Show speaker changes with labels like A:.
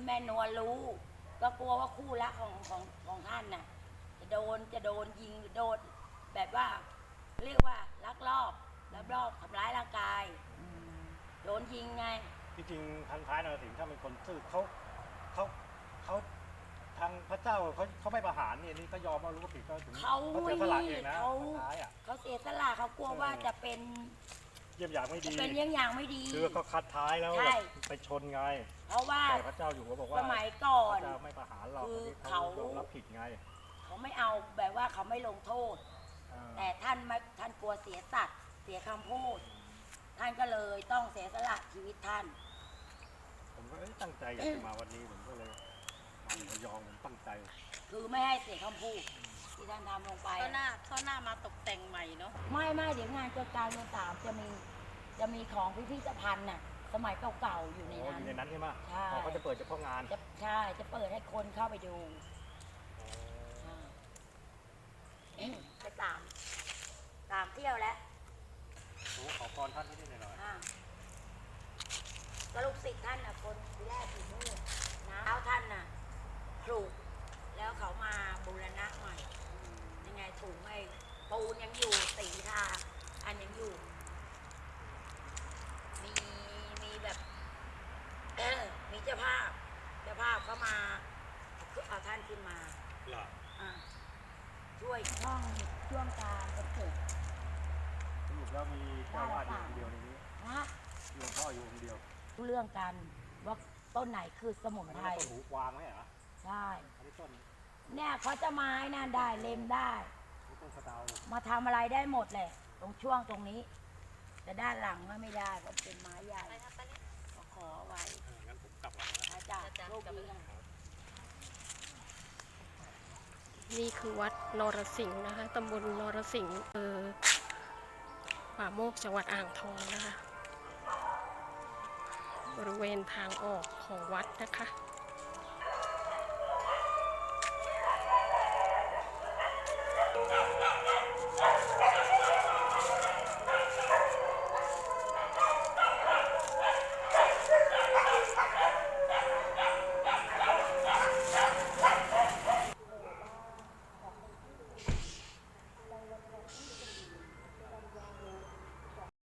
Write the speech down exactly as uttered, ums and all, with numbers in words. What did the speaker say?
A: แม่นวลรู้ก็กลัวว่าคู่รักของของของท่านน่ะจะโดนจะโดนยิงโดนแบบว่าเรียกว่าลักลอบลักลอบทำร้ายร่างกายโดนยิงไง
B: จริงๆพันท้ายนรสิงห์ถ้าเป็นคนซื่อเขาเขาเขาทางพระเจ้าเขาเขาไม่ประหารเนี่ยนี่ก็ยอมว่ารู้ว่าผิดก็ถึง
A: เขา
B: เสียสละเองนะ
A: เขา
B: พันท้ายอ่ะ
A: เขาเสียสละเขากลัวว่าจะเป็น
B: เยี่ยมอย่างไม่ดี
A: เป็นเยี่ยงอย่างไม่ดี
B: คือเขาคัดท้ายแล้วไปชนไง
A: เพราะว่า
B: แต่พระเจ้าอยู่ก็บอกว่า
A: สมัยก่อน
B: พระเจ้าไม่ประหารเรา
A: คือ
B: เขารับผิดไง
A: เขาไม่เอาแบบว่าเขาไม่ลงโทษแต่ท่านไม่ท่านกลัวเสียสัตว์เสียคำพูดท่านก็เลยต้องเสียสละชีวิตท่าน
B: ผมก็ตั้งใจอยากจะมาวันนี้ผมก็เลยมาระยองผมตั้งใจ
A: คือไม่ให้เสียคำพูดที่ท่านทำลงไป
C: ข้าหน้าข้าหน้ามาตกแต่งใหม่เนาะ
A: ไม่ไม่เดี๋ยวงานเกิดการเมืองสามจะมีจะมีของพิพิธภัณฑ์น่ะสมัยเก่าๆอยู่ในนั้น
B: อยู่ในนั้นใช่ไหม
A: ใช่
B: เขาจะเปิดเฉพาะงาน
A: ใช่จะเปิดให้คนเข้าไปดูไปตามตามเที่ยวแล้ว
B: โอ้ขอพรท่านนิดหน่อย
A: ก็ลูกศิษย์ท่านน่ะคนแรกที่นู่นนะแล้วท่านน่ะปลูกแล้วเขามาบูรณะใหม่ยังไงถูกไม่ปูนยังอยู่สีทาอันยังอยู่มีมีแบบเออมีเจ้าภาพเจ้าภาพเขามาเอาท่านขึ้นมาอ่าช่วยช่องช่วงการประกวด
B: สรุปแล้วมีเจ้าวาดอยู่คนเดียวในนี้
A: นะ
B: หลวงพ่ออยู่คนเดียว
A: เรื่องกันว่าต้นไหนคือสมุนไพร
B: ต้นหูกวางไหมเหรอ
A: ใช่
B: อันนี้ต้น
A: เนี่ยเขาจะไม้นั่นได้เล็มได้
B: ต้นสะเดา
A: มาทำอะไรได้หมดแหละตรงช่วงตรงนี้แต่ด้านหลังก็ไม่ได้เพราะเป็นไม้ใหญ่ก็ขอไว้
B: งั้นผมกลับหลังแล้ว
A: อาจารย์โลกนี้
C: นี่คือวัดนรสิงห์นะคะตำบลนรสิงห์เออป่าโมกจังหวัดอ่างทองนะคะบริเวณทางออกของวัดนะคะ